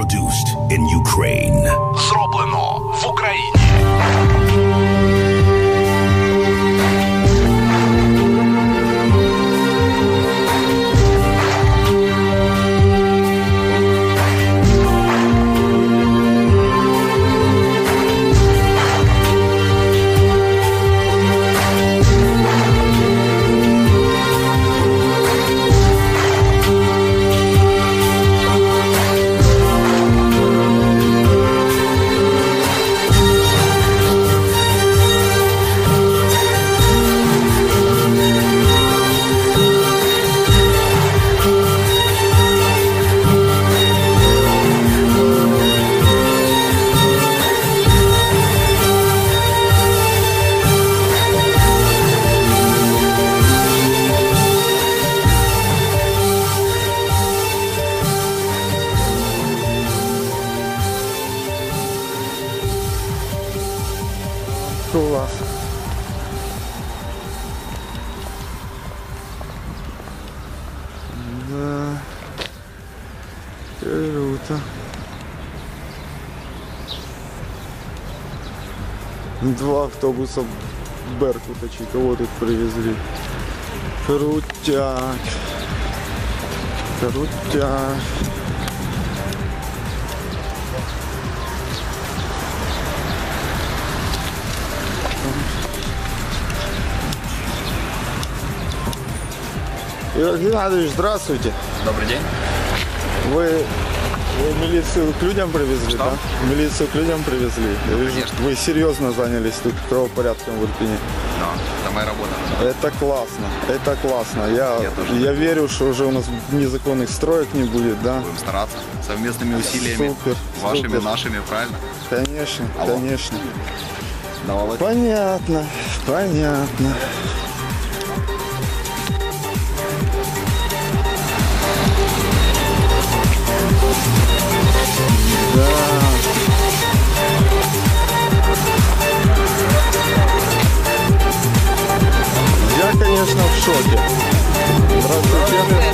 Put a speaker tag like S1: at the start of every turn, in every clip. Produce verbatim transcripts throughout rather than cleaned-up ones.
S1: Produced in Ukraine.
S2: Зроблено в Україні.
S3: Класс. Да. Круто. Два автобуса Беркута, кого тут привезли. Крутяк. Крутяк. Игорь Геннадьевич, здравствуйте.
S4: Добрый день.
S3: Вы, вы милицию к людям привезли,
S4: Что?
S3: да? Милицию к людям привезли. Я вижу,
S4: Конечно.
S3: вы серьезно занялись тут правопорядком в Ирпени.
S4: Да, это моя работа.
S3: Это классно, это классно. Я,
S4: Я тоже.
S3: я верю, что уже у нас незаконных строек не будет, да?
S4: Будем стараться совместными усилиями.
S3: Супер,
S4: Вашими,
S3: супер.
S4: нашими, правильно?
S3: Конечно,
S4: Алло.
S3: конечно.
S4: Да, Володь.
S3: Понятно, понятно. Да. Я, конечно, в шоке. Здравствуйте.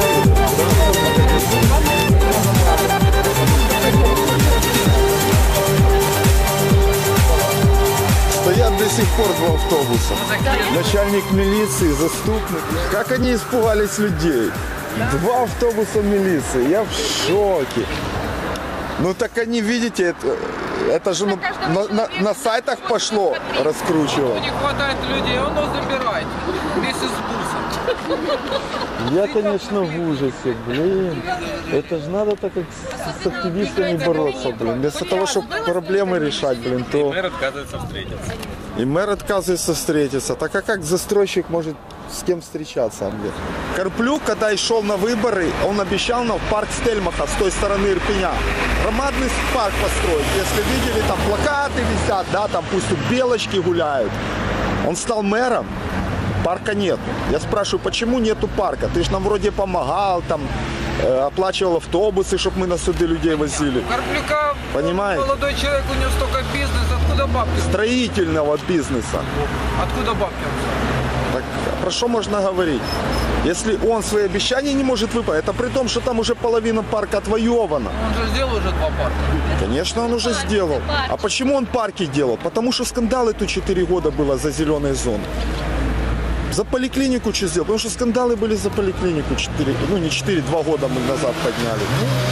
S3: Стоят до сих пор два автобуса. Начальник милиции, заступник. Как они испугались людей. Два автобуса милиции. Я в шоке. Ну так они, видите, это, это же ну, на, на, на сайтах пошло раскручивать.
S5: Не хватает людей, он его забирает вместе с бусом.
S3: Я, конечно, в ужасе, блин. Это же надо так как с, с активистами бороться, блин. Вместо того, чтобы проблемы решать, блин, то...
S5: Мэр отказывается встретиться.
S3: И мэр отказывается встретиться. Так а как застройщик может с кем встречаться, блин? Карплюк, когда шел на выборы, он обещал нам в парк Стельмаха с той стороны Ирпеня громадный парк построить. Если видели, там плакаты висят, да, там пусть тут белочки гуляют. Он стал мэром, парка нет. Я спрашиваю, почему нету парка? Ты же нам вроде помогал, там, э, оплачивал автобусы, чтобы мы на суды людей возили.
S5: У Карплюка
S3: Понимаете?
S5: молодой человек, у него столько бизнеса, откуда бабки?
S3: Строительного бизнеса.
S5: Откуда бабки?
S3: Так, про что можно говорить? Если он свои обещания не может выполнить, это при том, что там уже половина парка отвоевана.
S5: Он же сделал уже два парка.
S3: Конечно, он уже сделал. А почему он парки делал? Потому что скандалы тут четыре года было за зеленые зоны. За поликлинику что сделал? Потому что скандалы были за поликлинику четыре, ну не четыре, два года мы назад подняли.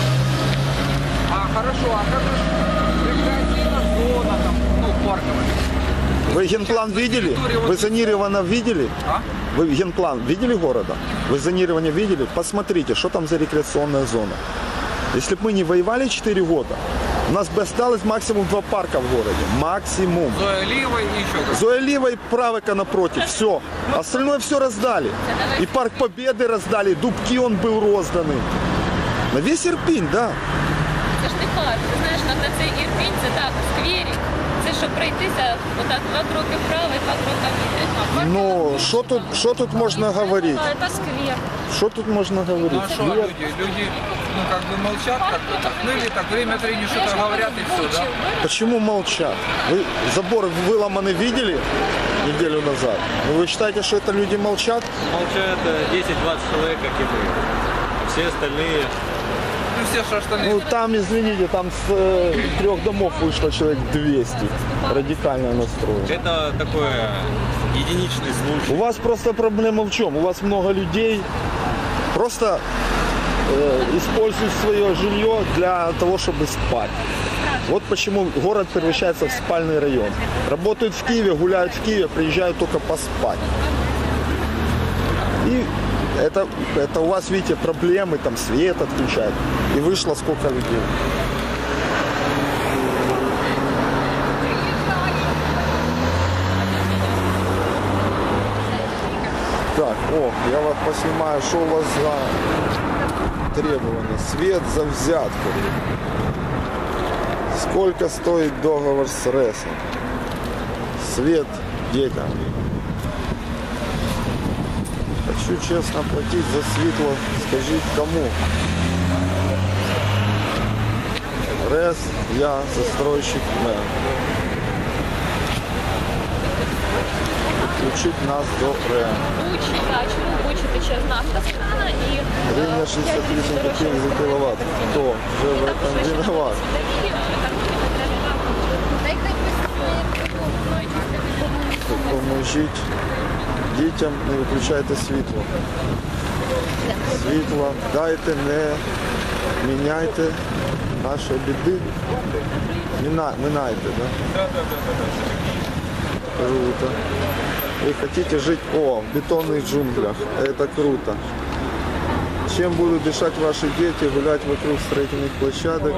S5: А хорошо, а как же рекреативная зона там, ну, парковая?
S3: Вы генплан видели? Вы зонировано видели?
S5: А?
S3: Вы генплан видели города? Вы зонирование видели? Посмотрите, что там за рекреационная зона. Если бы мы не воевали четыре года, у нас бы осталось максимум два парка в городе. Максимум.
S5: Зоя Лива и еще как.
S3: Зоя Лива и Правыка напротив. Все. Остальное все раздали. И Парк Победы раздали, Дубки он был розданий. На весь Ірпінь, так. Да.
S6: Це ж не парк. Ти знаєш, на цей Ірпінь це так, скверик. Це щоб пройтися отак два кроки вправо і два кроки вліво.
S3: Ну, що тут, що тут можна говорити?
S6: Це сквер.
S3: Що тут можна
S5: Ну
S3: говорити?
S5: а что люди? Люди, ну как бы молчат как-то так. Ну или так время от времени что-то говорят и все, да?
S3: Почему молчат? Вы забор выломанный видели неделю назад? Ну, вы считаете, что это люди молчат?
S7: Молчат десять-двадцать человек, как и мы. Все остальные
S5: Ну все, что остальные.
S3: Ну там, извините, там с э, трех домов вышло человек двести. Радикально настроено.
S7: Это такой единичный случай.
S3: У вас просто проблема в чем? У вас много людей просто э, используют свое жилье для того, чтобы спать. Вот почему город превращается в спальный район. Работают в Киеве, гуляют в Киеве, приезжают только поспать. И это, это у вас, видите, проблемы, там свет отключают. И вышло сколько людей. Так, о, я вас поснимаю, что у вас за требования. Свет за взятку. Сколько стоит договор с РЭСом? Свет детям. Хочу честно платить за светло. Скажите, кому? РЭС, я, застройщик, мэр. Включить нас до РЭМ.
S6: Бучі, так, чому Бучі тече з нафтоскрана і...
S3: Гривня шестьдесят восемь копеек за киловатт. Кто же в этом виноват? Поможіть дітям, не виключайте світло. Світло дайте, не міняйте наші біди. Міна, минайте, да? Круто. Вы хотите жить, о, в бетонных джунглях. Это круто. Чем будут дышать ваши дети, гулять вокруг строительных площадок?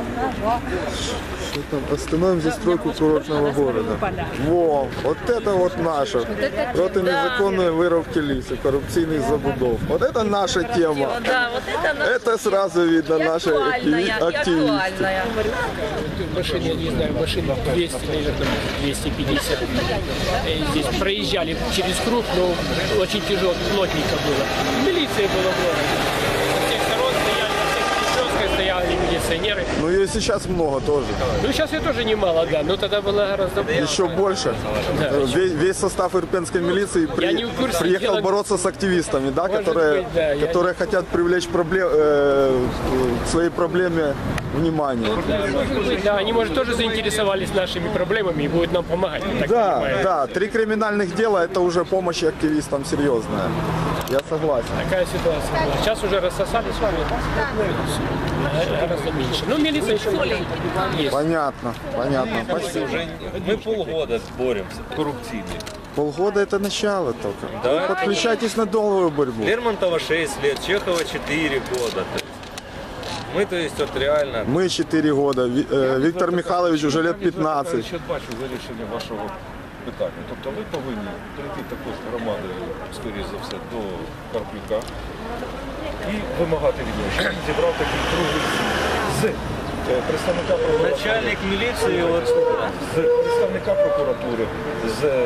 S3: Что там? Остановим застройку курортного города. Во, вот это вот наше. Проти незаконной вырубки леса, коррупционных забудов. Вот это наша тема.
S6: Да, вот это наша
S3: Это сразу видно наши активисты.
S8: Машины, я не знаю, машин двести, наверное, двести пятьдесят. Здесь проезжали через круг, но очень тяжело, плотненько было. Милиция была в городе. Со всех сторон стояли, со всех перекрестков стояли милиционеры.
S3: Ну ее сейчас много тоже.
S8: Ну сейчас ее тоже немало, да, но тогда было гораздо больше.
S3: Еще больше.
S8: Да.
S3: Весь, весь состав ирпенской милиции при-
S8: не в курсе,
S3: приехал
S8: дело-
S3: бороться с активистами, да,
S8: Может
S3: которые,
S8: быть, да, я
S3: которые хотят привлечь проблем, э, к своей проблеме внимание.
S8: Да, может быть, да, они, может, тоже заинтересовались нашими проблемами и будут нам помогать, я так
S3: Да,
S8: понимаю.
S3: да, три криминальных дела это уже помощь активистам серьезная. Я согласен.
S8: Такая ситуация была. Сейчас уже рассосались с вами. Гораздо меньше. Ну, милиция еще есть.
S3: Понятно, понятно. Спасибо.
S7: Уже мы полгода боремся коррупционный.
S3: Полгода это начало только.
S7: Да.
S3: Вы подключайтесь на долгую борьбу.
S7: Лермонтова шесть лет, Чехова четыре года. То есть мы, то есть, вот реально...
S3: Мы четыре года, Ви- э, Виктор Михайлович уже лет пятнадцать.
S9: Я бачу вирішення вашого питання. Тобто ви повинні прийти також з громадою, скоріш за все, до Карплюка і вимагати від нього, щоб він зібрав такий круглий стіл з е, представника прокуратури,
S7: Начальник милиции, вот,
S9: з представника прокуратури, з е,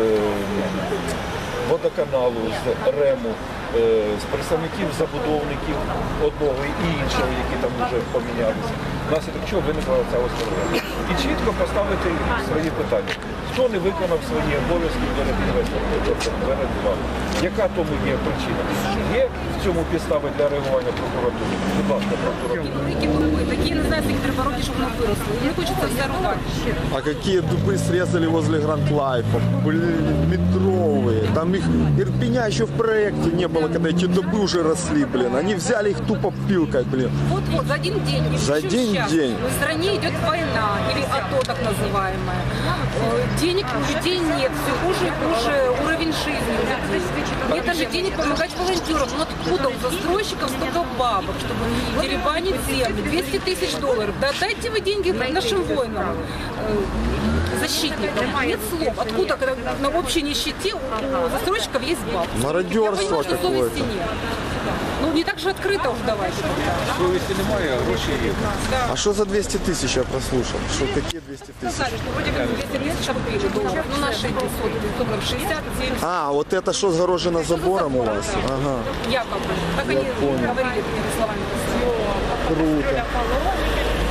S9: водоканалу, з РЕМу, е, з представників забудовників одного і іншого, які там вже помінялися. Внаслідок чого виникла ця ось проблема. І чітко поставити свої питання. Хто не виконав свої обов'язки перед інвестором, тобто перед вами? Яка тому є причина? Є в цьому підстави для реагування прокуратури? Будь ласка, прокуратура.
S10: Такие, не знаю, такие дороги, чтобы оно выросло. Мне хочется все рубать.
S3: А какие дубы срезали возле Гранд Лайфа? Блин, метровые. Там их Ирпеня еще в проекте не было, когда эти дубы уже росли, блин. Они взяли их тупо пилкой, блин.
S10: Вот-вот, за один день. И
S3: За
S10: причем
S3: один
S10: сейчас
S3: день.
S10: В стране идет война, или АТО так называемая. Э, Денег у людей нет, все хуже и хуже уровень жизни. у людей. Нет даже денег помогать волонтерам. Ну откуда у застройщиков столько бабок, чтобы деребанить земли? двести тысяч долларов. Да дайте вы деньги нашим воинам, э, защитникам. Нет слов. Откуда, когда на общей нищете у застройщиков есть бабки?
S3: Мародерство
S10: Я понимаю, что
S3: какое-то.
S10: совести нет. Ну не так же открыто уж давайте.
S9: Совісті немає, а гроші є.
S3: А что за двести тысяч я прослушал? Что какие двести тысяч?
S10: Сказали, что вроде как двести тысяч купили долларов. Ну наши пятьсот, долларов шестьдесят, семьдесят.
S3: А, вот это что загорожено забором у вас? Ага,
S10: Якобы. Так они
S3: понял.
S10: говорили такими словами.
S3: круто.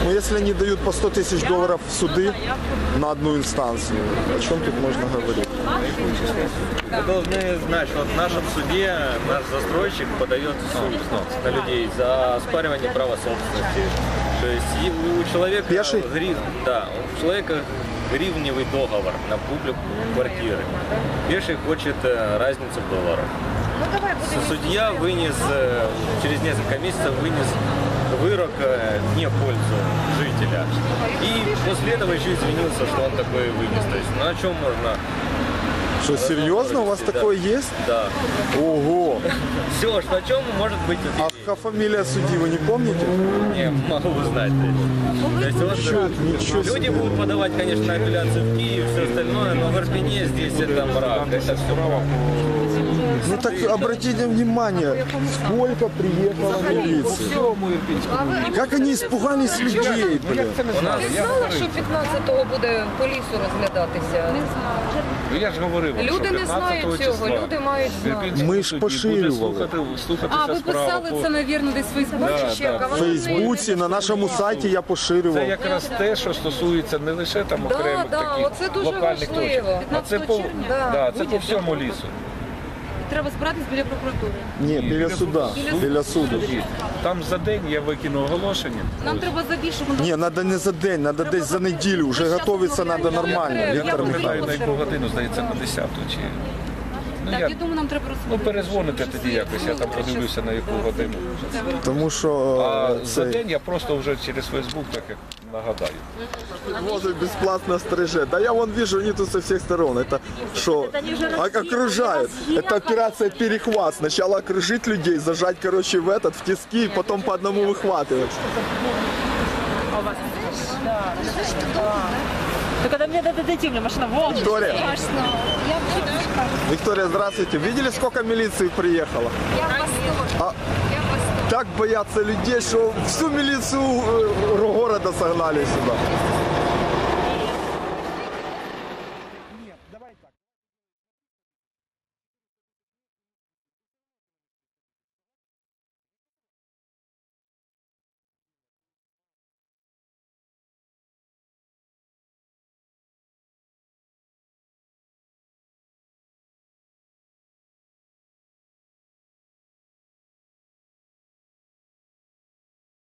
S3: Но если они дают по сто тысяч долларов в суды на одну инстанцию, о чем тут можно говорить?
S7: Вы должны знать, что в нашем суде наш застройщик подает в суд на людей за оспаривание права собственности. То есть и у человека
S3: Пеший?
S7: грив, да, у человека гривневый договор на публику квартиры. Пеший хочет э, разницу в долларах. Судья вынес, э, через несколько месяцев вынес вырок э, не в пользу жителя. И после этого еще извинился, что он такой вынес. То есть, ну о чем можно...
S3: Что, серьезно? У вас
S7: да.
S3: такое есть?
S7: Да.
S3: Ого!
S7: Все, что о чем может быть
S3: А
S7: удивление.
S3: фамилия судьи вы не помните?
S7: Не могу узнать. То есть, вот,
S3: Ничего, ничего
S7: люди
S3: себе.
S7: будут подавать, конечно, апелляцию в Киев, все остальное, но в Ирпене здесь это мрак, это все право.
S3: Ну так обратите внимание, сколько приехало милиции. Как они испугались людей, блин.
S7: У нас
S5: Ти знала, що п'ятнадцятого буде по лісу розглядатися?
S9: Ну, я ж говорив, вам,
S5: Люди
S9: що
S5: не знають
S9: п'ятнадцятого
S5: цього,
S9: числа
S5: люди мають знати.
S9: Ірпінський
S3: Ми ж
S9: суд
S3: поширювали.
S9: буде слухати, слухатися
S10: А, ви
S9: справа
S10: писали
S9: по-
S10: це, мабуть, десь в Фейсбуці
S9: Да,
S10: чи як?
S9: да.
S10: А
S3: В
S10: воно
S3: Фейсбуці, на нашому сайті я поширював.
S9: Це якраз те, що стосується не лише там
S5: Да,
S9: окремих
S5: да,
S9: таких
S5: оце дуже
S9: локальних
S5: важливо.
S9: точок, а це по,
S5: Да.
S9: да, це по всьому лісу.
S10: Треба збиратись біля прокуратури.
S3: Ні, біля суда, біля суду.
S9: Там за день я викину оголошення.
S10: Нам треба забільше.
S3: Ні, треба не за день, треба десь за неділю. Вже готуватися треба нормально,
S9: Я
S3: Віктор
S9: пам'ятаю, на
S3: Михайлович.
S9: яку годину, здається, на десяту чи... Ну,
S10: Так,
S9: я,
S10: я думаю, нам треба
S9: ну,
S10: розповідати.
S9: перезвоните тоді якось, я там подивлюся на яку годину.
S3: Тому що
S9: А
S3: е,
S9: за
S3: цей
S9: день я просто вже через Фейсбук так як нагадаю.
S3: возить бесплатно стриже. Да я вон вижу, они тут со всех сторон. Это что? А окружают. Это операция перехват. Сначала окружить людей, зажать, короче, в этот, в тиски, и потом по одному выхватывать.
S11: Ну, когда мне дадут идти, у меня машина вон.
S3: Виктория. Виктория, здравствуйте. Видели, сколько милиции приехало?
S10: Я в восторге.
S3: А
S10: Я в восторге.
S3: так боятся людей, что всю милицию э, города согнали сюда.